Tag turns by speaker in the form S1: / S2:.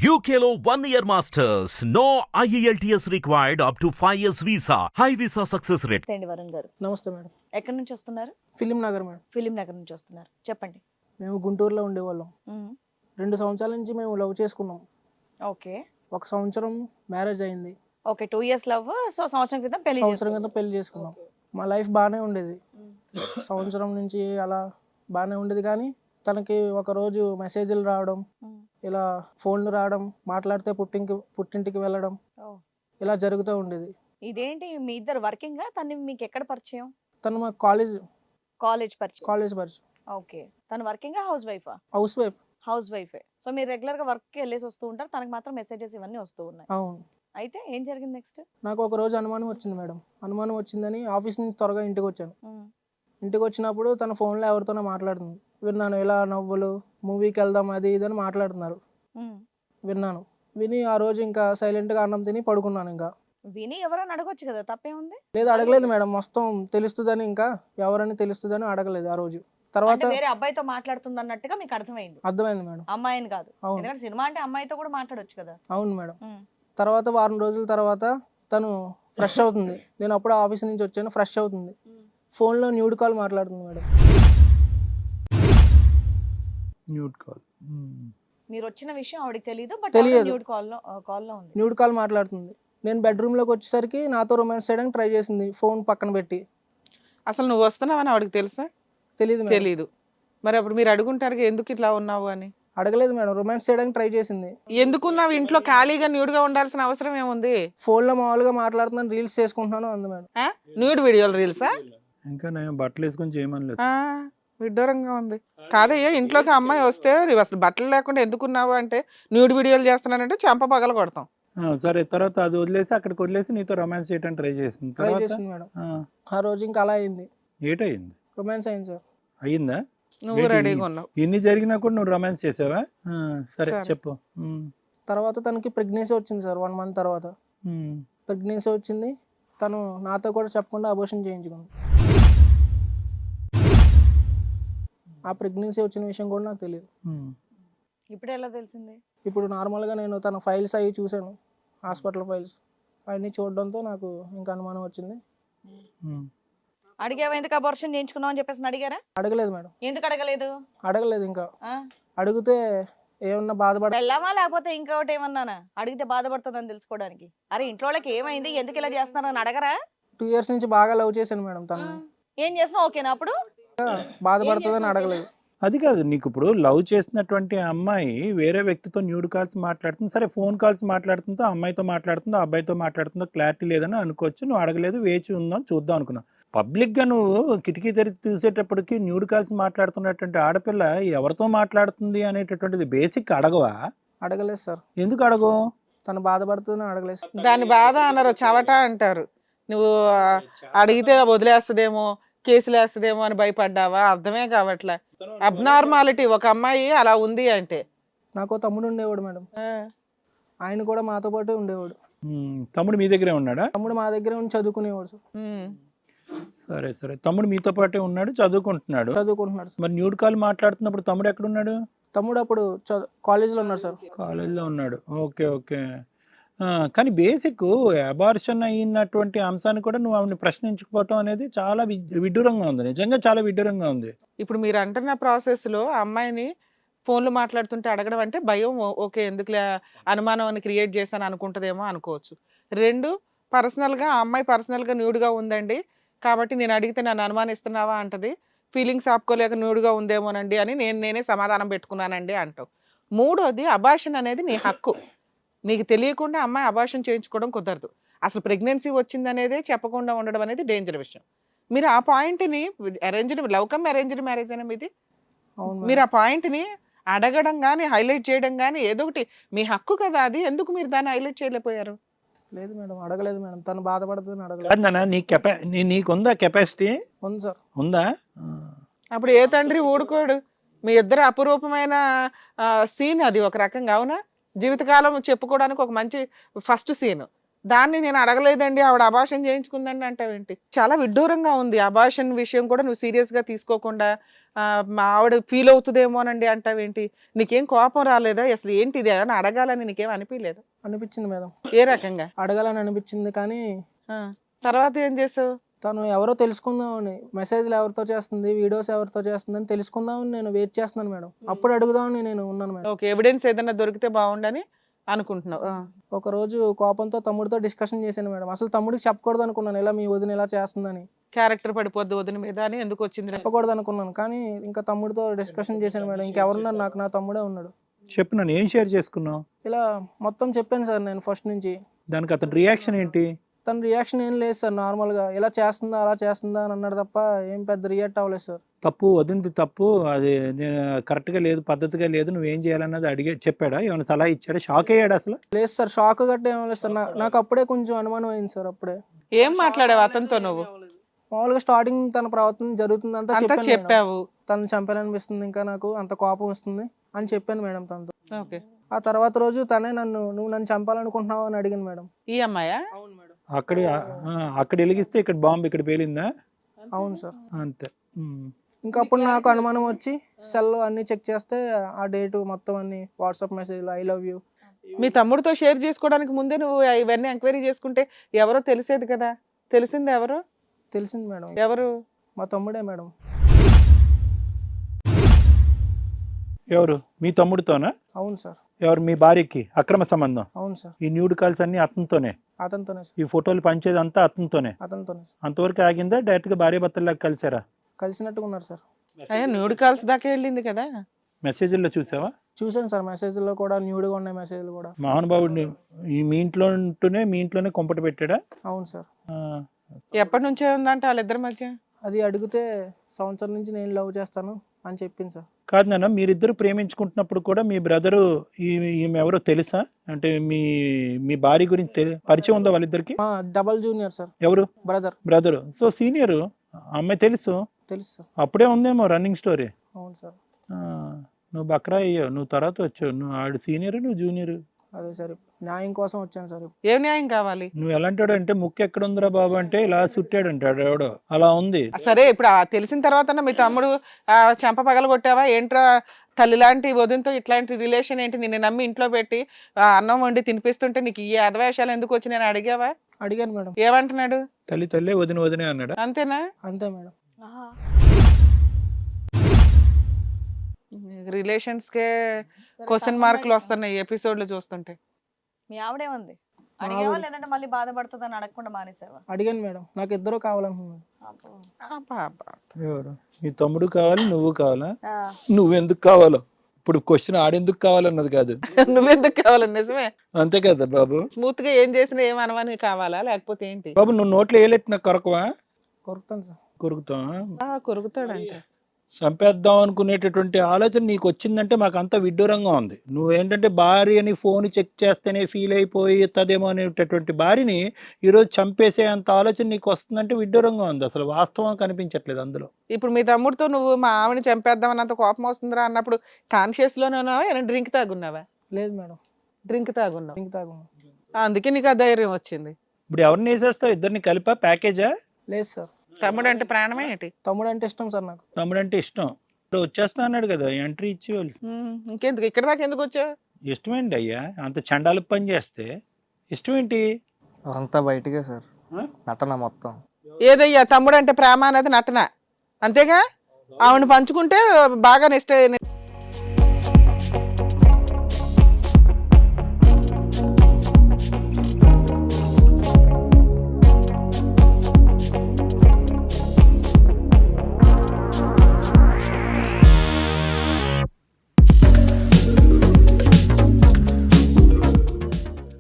S1: UKLO 1 year masters. No IELTS required up to 5 years visa. High visa success rate.
S2: అండి వరుణ్ గారు,
S3: నమస్తే madam.
S2: ఎక్కడి నుంచి వస్తున్నారు?
S3: ఫిలిం నగర్ మేడం.
S2: ఫిలిం నగర్ నుంచి వస్తున్నారు, చెప్పండి.
S3: మేము గుంటూరులో ఉండేవాళ్ళం. 2 సంవత్సరాల నుంచి మేము లవ్ చేసుకున్నాం.
S2: ఓకే
S3: 1 సంవత్సరం మ్యారేజ్ అయింది.
S2: Okay 2 years love. సో సంవత్సరం క్రితం పెళ్లి
S3: సంవత్సరం క్రితం పెళ్లి చేసుకున్నాం. మా లైఫ్ బాగానే ఉండేది. సంవత్సరం నుంచి అలా బాగానే ఉండేది, కానీ తనకి ఒకరోజు మెసేజ్లు రావడం, ఇలా ఫోన్లు రావడం, మాట్లాడితే పుట్టింటికి వెళ్ళడం, ఇలా జరుగుతూ ఉండేది.
S2: ఇదేంటి మీ ఇద్దరు వర్కింగ్? తను మీకు ఎక్కడ పరిచయం?
S3: తను మా కాలేజ్ పరిచయం.
S2: ఓకే, తను working housewife?
S3: Housewife.
S2: So మీరు రెగ్యులర్ గా వర్క్ కి వెళ్ళేసి వస్తూ ఉంటారు, తనకి మాత్రం మెసేజెస్ ఇవన్నీ వస్తూ ఉన్నాయి.
S3: అవును.
S2: అయితే ఏం జరిగింది నెక్స్ట్?
S3: నాకు ఒక రోజు అనుమానం వచ్చింది మేడం. అనుమానం వచ్చిందని ఆఫీస్ నుంచి త్వరగా ఇంటికి వచ్చాను. ఇంటికి వచ్చినప్పుడు తన ఫోన్లో ఎవరితోనో మాట్లాడుతుంది. విన్నాను, ఇలా నవ్వులు, మూవీకి వెళ్దాం అది ఇది అని మాట్లాడుతున్నారు. విన్నాను. విని ఆ రోజు ఇంకా సైలెంట్గా అన్నం తిని పడుకున్నాను. ఇంకా
S2: విని ఎవరైనా అడగొచ్చు కదా, తప్పేముంది?
S3: లేదు, అడగలేదు మేడం. మొత్తం తెలుస్తుందని, ఇంకా ఎవరని తెలుస్తుందని అడగలేదు ఆ రోజు. తర్వాత
S2: వేరే అబ్బాయితో మాట్లాడుతుంది అన్నట్టుగా మీకు అర్థమైంది
S3: మేడం.
S2: అమ్మాయిని కాదు, ఎందుకంటే సినిమా అంటే అమ్మాయితో కూడా మాట్లాడొచ్చు కదా.
S3: అవును మేడం. తర్వాత వారం రోజుల తర్వాత తను ఫ్రెష్ అవుతుంది. నేను అప్పుడు ఆఫీస్ నుంచి వచ్చాను. ఫ్రెష్ అవుతుంది. ఫోన్లో న్యూడ్ కాల్ మాట్లాడుతుంది మేడం.
S2: మీరు వచ్చిన విషయం ఆవిడకి తెలియదు, బట్
S3: తెలియదు.
S2: న్యూడ్
S3: కాల్ మాట్లాడుతుంది. నేను బెడ్రూమ్లోకి వచ్చేసరికి నాతో రొమాన్స్ చేయడానికి ట్రై చేసింది, ఫోన్ పక్కన పెట్టి.
S4: అసలు నువ్వు వస్తున్నావని ఆవిడకి తెలుసా? తెలీదు. మరి అప్పుడు మీరు అడుగుంటారు ఎందుకు ఇట్లా ఉన్నావు అని?
S3: అడగలేదు మేడం. రొమాన్స్ చేయడానికి ట్రై చేసింది.
S4: ఎందుకున్నావు ఇంట్లో ఖాళీగా న్యూడ్గా ఉండాల్సిన అవసరం ఏముంది?
S3: ఫోన్లో మామూలుగా మాట్లాడుతున్నాను, రీల్స్ చేసుకుంటున్నాను అంది మేడం.
S4: న్యూడ్ వీడియోలు రీల్సా?
S5: ఇంకా నేను బట్టలు వేసుకొని చేయమని
S4: విడ్డూరంగా ఉంది. కాదయ్యా, ఇంట్లోకి అమ్మాయి వస్తే నువ్వు అసలు బట్టలు లేకుండా ఎందుకున్నావు అంటే న్యూడ్ వీడియోలు చేస్తున్నానంటే చెంప పగల కొడతాం.
S5: సరే, తర్వాత అది వదిలేసి అక్కడికి వదిలేసి నీతో రొమాన్స్ చేయడానికి ట్రై చేసింది
S3: మేడం. ఆ రోజు ఇంకా అలా అయింది.
S5: ఏటయింది?
S3: రొమాన్స్ అయింది సార్.
S5: అయ్యిందా?
S4: నువ్వు రెడీగా ఉన్నావు.
S5: ఇన్ని జరిగినా కూడా నువ్వు రొమాన్స్ చేసావా? సరే చెప్పు.
S3: తర్వాత తనకి ప్రెగ్నెన్సీ వచ్చింది సార్. 1 month తర్వాత ప్రెగ్నెన్సీ వచ్చింది. తను నాతో కూడా చెప్పకుండా అబోర్షన్ చేయించుకుంది. ఆ ప్రెగ్నెన్సీ వచ్చిన విషయం కూడా నాకు తెలియదు.
S2: ఇప్పుడు ఎలా తెలిసింది?
S3: ఇప్పుడు నార్మల్గా నేను తన ఫైల్స్ అవి చూశాను, హాస్పిటల్ ఫైల్స్ అవన్నీ చూడడంతో నాకు ఇంకా అనుమానం వచ్చింది.
S2: అడిగావా ఎందుకు అబార్షన్ చేయించుకున్నావు అని చెప్పేసి అడిగారా?
S3: అడగలేదు మేడం.
S2: ఎందుకు అడగలేదు?
S3: ఇంకా అడిగితే ఏమన్నా
S2: వెళ్ళావా లేకపోతే ఇంకొకటి ఏమన్నానా? అడిగితే బాధపడుతుందని తెలుసుకోవడానికి. అరే ఇంట్లో వాళ్ళకి ఏమైంది, ఎందుకు ఇలా చేస్తున్నారని అడగరా?
S3: 2 years నుంచి బాగా లవ్ చేశాను మేడం తను.
S2: ఏం చేసినా ఓకేనా? అప్పుడు
S3: బాధపడుతుందని అడగలేదు.
S5: అది కాదు, నీకు ఇప్పుడు లవ్ చేసినటువంటి అమ్మాయి వేరే వ్యక్తితో న్యూడ్ కాల్స్ మాట్లాడుతుంది. సరే, ఫోన్ కాల్స్ మాట్లాడుతుందో, అమ్మాయితో మాట్లాడుతుందో, అబ్బాయితో మాట్లాడుతుందో క్లారిటీ లేదని అనుకోవచ్చు. నువ్వు అడగలేదు, వేచి ఉందాం చూద్దాం అనుకున్నావు. పబ్లిక్గా నువ్వు కిటికీ తెరిచి చూసేటప్పటికి న్యూడ్ కాల్స్ మాట్లాడుతున్నటువంటి ఆడపిల్ల ఎవరితో మాట్లాడుతుంది అనేటటువంటిది బేసిక్ అడగవా?
S3: అడగలేదు సార్.
S5: ఎందుకు అడగవు?
S3: తను బాధపడుతుందని అడగలేదు.
S4: దాని బాధ అన్నారు, చవట అంటారు. నువ్వు అడిగితే వదిలేస్తుందేమో, కేసులు వేస్తుందేమో అని భయపడ్డావా? అర్థమే కావట్లే. అబ్నార్మాలిటీ ఒక అమ్మాయి అలా ఉంది అంటే.
S3: నాకు తమ్ముడు ఉండేవాడు మేడం. ఆయన కూడా మాతో పాటు ఉండేవాడు.
S5: తమ్ముడు మీ దగ్గరే ఉన్నాడా?
S3: తమ్ముడు మా దగ్గరే ఉండి చదువుకునేవాడు సార్.
S5: సరే, తమ్ముడు మీతో పాటే ఉన్నాడు, చదువుకుంటున్నాడు సార్. మరి న్యూడ్ కాల్ మాట్లాడుతున్నప్పుడు తమ్ముడు ఎక్కడున్నాడు?
S3: తమ్ముడు అప్పుడు కాలేజీలో ఉన్నాడు సార్.
S5: కాలేజీలో ఉన్నాడు. ఓకే. కానీ బేసిక్ అబార్షన్ అయినటువంటి అంశాన్ని కూడా నువ్వు ఆవిడని ప్రశ్నించుకోవటం అనేది చాలా విడ్డూరంగా ఉంది. నిజంగా చాలా విడ్డూరంగా ఉంది.
S4: ఇప్పుడు మీరు అంటున్న ప్రాసెస్లో అమ్మాయిని ఫోన్లు మాట్లాడుతుంటే అడగడం అంటే భయం. ఓకే, ఎందుకులే అనుమానం క్రియేట్ చేశాను అనుకుంటుందేమో అనుకోవచ్చు. 2, పర్సనల్గా ఆ అమ్మాయి పర్సనల్గా న్యూడ్గా ఉందండి కాబట్టి నేను అడిగితే నన్ను అనుమానిస్తున్నావా అంటది. ఫీలింగ్స్ ఆపుకోలేక న్యూడ్గా ఉందేమోనండి అని నేనే సమాధానం పెట్టుకున్నానండి అంటావు. 3వది, అబార్షన్ అనేది నీ హక్కు. నీకు తెలియకుండా అమ్మాయి అబార్షన్ చేయించుకోవడం కుదరదు. అసలు ప్రెగ్నెన్సీ వచ్చిందనేదే చెప్పకుండా ఉండడం అనేది డేంజర్ విషయం. మీరు ఆ పాయింట్ని లవ్ కమ్ అరేంజ్డ్ మ్యారేజ్ అయినా మీది, మీరు ఆ పాయింట్ని అడగడం కానీ హైలైట్ చేయడం కానీ ఏదో ఒకటి మీ హక్కు కదా అది. ఎందుకు మీరు దాన్ని హైలైట్ చేయలేకపోయారు?
S3: లేదు మేడం, అడగలేదు మేడం. తను బాధపడుతుందని అడగలేదు.
S5: నీకుందా కెపాసిటీ?
S3: ఉంది సార్.
S5: ఉందా?
S4: అప్పుడు ఏ తండ్రి ఊడుకోడు. మీ ఇద్దరు అపురూపమైన సీన్ అది ఒక రకంగా. అవునా? జీవితకాలం చెప్పుకోవడానికి ఒక మంచి ఫస్ట్ సీన్. దాన్ని నేను అడగలేదండి ఆవిడ అబార్షన్ చేయించుకుందండి అంటావేంటి? చాలా విడ్డూరంగా ఉంది. అబార్షన్ విషయం కూడా నువ్వు సీరియస్గా తీసుకోకుండా మా ఆవిడ ఫీల్ అవుతుందేమోనండి అంటావేంటి? నీకేం కోపం రాలేదా? అసలు ఏంటి ఇది ఏమైనా అడగాలని నీకేం అనిపించలేదు?
S3: అనిపించింది మేడం,
S4: ఏ రకంగా?
S3: అడగాలని అనిపించింది. కానీ
S4: ఆ, తర్వాత ఏం చేసావు?
S3: తను ఎవరో తెలుసుకుందామని, మెసేజ్లు ఎవరితో చేస్తుంది, వీడియోస్ ఎవరితో చేస్తుంది అని తెలుసుకుందామని నేను వెయిట్ చేస్తున్నాను మేడం. అప్పుడు అడుగుదామని నేను ఉన్నాను మేడం.
S4: ఓకే, ఎవిడెన్స్ ఏదైనా దొరికితే బాగుండని అనుకుంటున్నావు.
S3: ఒక రోజు కోపంతో తమ్ముడితో డిస్కషన్ చేశాను మేడం. అసలు తమ్ముడికి చెప్పకూడదు అనుకున్నాను, ఇలా మీ వదిన ఇలా చేస్తుందని.
S4: క్యారెక్టర్ పడిపోద్ది వదిన మీద అని ఎందుకు వచ్చింది?
S3: చెప్పకూడదు అనుకున్నాను, కానీ ఇంకా తమ్ముడితో డిస్కషన్ చేశాను మేడం. ఇంకెవరున్నారు నాకు, నా తమ్ముడే ఉన్నాడు.
S5: చెప్పు, నన్ను ఏం షేర్ చేసుకున్నావు?
S3: ఇలా మొత్తం చెప్పాను సార్ నేను ఫస్ట్ నుంచి.
S5: దానికి అతని రియాక్షన్ ఏంటి?
S3: తన రియాక్షన్ ఏం లేదు సార్, నార్మల్గా ఇలా చేస్తుందా అలా చేస్తుందా అని అన్నాడు తప్ప ఏం పెద్ద రియాక్ట్ అవ్వలేదు సార్.
S5: తప్పు వదింది, తప్పు అది నేను కరెక్ట్గా లేదు, పద్ధతిగా లేదు, నువ్వేం చేయాలన్నది అడిగే చెప్పాడా? ఏమైనా సలహా ఇచ్చాడా? షాక్ అయ్యాడు అసలు?
S3: లేదు సార్, షాక్ గట్ట ఏం లేదు సార్. నాకు అప్పుడే కొంచెం అనుమానం అయింది సార్. అప్పుడే
S4: ఏం మాట్లాడావు అతనితో నువ్వు?
S3: మామూలుగా స్టార్టింగ్ తన ప్రవర్తన జరుగుతుందంతా
S4: అంతా
S3: చెప్పాను మేడం.
S4: చెప్పావు.
S3: తను చంపాలనిపిస్తుంది, ఇంకా నాకు అంత కోపం వస్తుంది అని చెప్పాను మేడం తనతో.
S4: ఓకే,
S3: ఆ తర్వాత రోజు తనే నువ్వు నన్ను చంపాలనుకుంటున్నావు అని అడిగింది మేడం.
S4: ఈ అమ్మాయా?
S3: అవును మేడం.
S5: అక్కడ వెలిగిస్తే ఇక్కడ బాంబు ఇక్కడ పేలిందా?
S3: అవును సార్.
S5: అంతే.
S3: ఇంకా అప్పుడు నాకు అనుమానం వచ్చి సెల్ అన్ని చెక్ చేస్తే ఆ డేటు మొత్తం అన్ని వాట్సాప్ మెసేజ్లు ఐ లవ్ యూ.
S4: మీ తమ్ముడితో షేర్ చేసుకోవడానికి ముందే నువ్వు ఇవన్నీ ఎంక్వైరీ చేసుకుంటే ఎవరో తెలిసేది కదా. తెలిసింది ఎవరు?
S3: తెలిసింది మేడం.
S4: ఎవరు?
S3: మా తమ్ముడే మేడం.
S5: ఎవరు? మీ తమ్ముడితోనా?
S3: అవును సార్.
S5: ఎవరు? మీ భార్యకి అక్రమ సంబంధం?
S3: అవును సార్.
S5: ఈ న్యూడ్ కాల్స్ అన్ని అతనితోనే?
S3: అతనితోనే సార్.
S5: ఈ ఫోటోలు పంచేది అంతా అతనితోనే?
S3: అతనితోనే సార్.
S5: అంతవరకు ఆగిందా? డైరెక్ట్ గా భార్య భర్తల్లాగా కలిసారా?
S3: కలిసినట్టుగా ఉన్నారు సార్.
S4: అయ్యా న్యూడ్ కాల్స్ దాకా వెళ్ళింది కదా.
S5: మెసేజ్ల్లో చూసావా?
S3: చూసాను సార్, మెసేజ్లో కూడా న్యూడ్గా ఉన్నాయి మెసేజ్లు కూడా.
S5: మహానుభావుడిని మీ ఇంట్లో ఉంటూనే మీ ఇంట్లోనే కొంపట పెట్టాడా?
S3: అవును సార్.
S4: ఎప్పటి నుంచే ఉందంట వాళ్ళిద్దరి మధ్య?
S3: అది అడిగితే సంవత్సరం నుంచి నేను లవ్ చేస్తాను అని చెప్పింది సార్.
S5: కాదు నాన్న, మీరిద్దరు ప్రేమించుకుంటున్నప్పుడు కూడా మీ బ్రదరు ఈమె ఎవరో తెలుసా? అంటే మీ భార్య గురించి పరిచయం ఉందా వాళ్ళిద్దరికి?
S3: Double junior sir.
S5: ఎవరు?
S3: బ్రదర్.
S5: సో సీనియర్ అమ్మాయి తెలుసు
S3: సార్.
S5: అప్పుడే ఉందేమో రన్నింగ్ స్టోరీ.
S3: అవును సార్.
S5: నువ్వు బక్రా అయ్యావు, నువ్వు తర్వాత వచ్చావు. నువ్వు ఆడు సీనియర్, నువ్వు జూనియర్.
S3: అదే సార్, న్యాయం కోసం వచ్చాను సార్.
S4: ఏం న్యాయం కావాలి?
S5: నువ్వు ఎలాంటాడు అంటే ముక్కు ఎక్కడ ఉందిరా బాబు అంటే ఇలా సుట్టాడు అంటాడు ఎవడో, అలా ఉంది.
S4: సరే, ఇప్పుడు తెలిసిన తర్వాత మీ తమ్ముడు చెంప పగల కొట్టావా ఏంట్రా? తల్లి లాంటి వదినతో ఇట్లాంటి రిలేషన్ ఏంటి? నిన్ను నమ్మి ఇంట్లో పెట్టి అన్నం వండి తినిపిస్తుంటే నీకు ఈ అధవేషాలు ఎందుకు వచ్చి నేను అడిగావా?
S3: అడిగాను మేడం.
S4: ఏమంటున్నాడు?
S5: తల్లి వదినే అన్నాడు.
S4: అంతేనా?
S3: అంతే మేడం.
S4: రిలేషన్స్ కే క్వశ్చన్ మార్కులు వస్తున్నాయి ఎపిసోడ్లు చూస్తుంటే.
S2: మీ ఆవిడేముంది? అడిగావా లేదంటే మళ్ళీ బాధపడుతుందని అడగకుండా మానేసావా?
S3: అడిగాను మేడం, నాకు ఇద్దరు కావాలనుకున్నాను.
S5: ఎవరు? మీ తమ్ముడు కావాలి, నువ్వు కావాలా?
S2: ఆ.
S5: నువ్వెందుకు కావాలో ఇప్పుడు క్వశ్చన్ ఆడెందుకు కావాలన్నది కాదు.
S4: నువ్వెందుకు కావాలి? నిజమే,
S5: అంతే కదా బాబు.
S4: స్మూత్ గా ఏం చేసినా ఏం అనవని కావాలా లేకపోతే ఏంటి?
S5: బాబు నువ్వు నోట్లో ఏలెట్టిన కొరకవా?
S3: కొరుకుతాను సార్.
S5: కొరుకుతావా?
S4: కొరుకుతాడంట.
S5: చంపేద్దాం అనుకునేటటువంటి ఆలోచన నీకు వచ్చిందంటే మాకు అంత విడ్డూరంగా ఉంది. నువ్వేంటంటే భార్యని ఫోన్ చెక్ చేస్తేనే ఫీల్ అయిపోతుందేమో అనేటటువంటి భార్యని ఈరోజు చంపేసే అంత ఆలోచన నీకు వస్తుందంటే విడ్డూరంగా ఉంది. అసలు వాస్తవం కనిపించట్లేదు అందులో.
S4: ఇప్పుడు మీ తమ్ముడితో నువ్వు మా ఆవిడని చంపేద్దామన్నంత కోపం వస్తుందిరా అన్నప్పుడు కాన్షియస్ లోనే ఉన్నావా? ఏమైనా డ్రింక్ తాగున్నావా?
S3: లేదు మేడం.
S4: డ్రింక్ తాగున్నావు.
S3: డ్రింక్ తాగున్నా.
S4: అందుకే నీకు ఆ ధైర్యం వచ్చింది.
S5: ఇప్పుడు ఎవరిని వేసేస్తావు? ఇద్దరిని కలిపా ప్యాకేజా?
S3: లేదు సార్.
S4: తమ్ముడు అంటే ప్రాణమే ఏంటి?
S3: తమ్ముడు అంటే ఇష్టం సార్ నాకు.
S5: తమ్ముడు అంటే ఇష్టం. ఇప్పుడు వచ్చేస్తా అన్నాడు కదా, ఎంట్రీ ఇచ్చి వాళ్ళు.
S4: ఇంకెందుకు ఇక్కడ దాకా ఎందుకు వచ్చావు?
S5: ఇష్టమేంటి అయ్యా అంత చండాలు పని చేస్తే? ఇష్టమేంటి?
S6: అంతా బయటకే సార్, నటన మొత్తం.
S4: ఏదయ్యా తమ్ముడు అంటే ప్రేమ అనేది నటన అంతేగా? ఆవిడ పంచుకుంటే బాగా నెక్స్ట్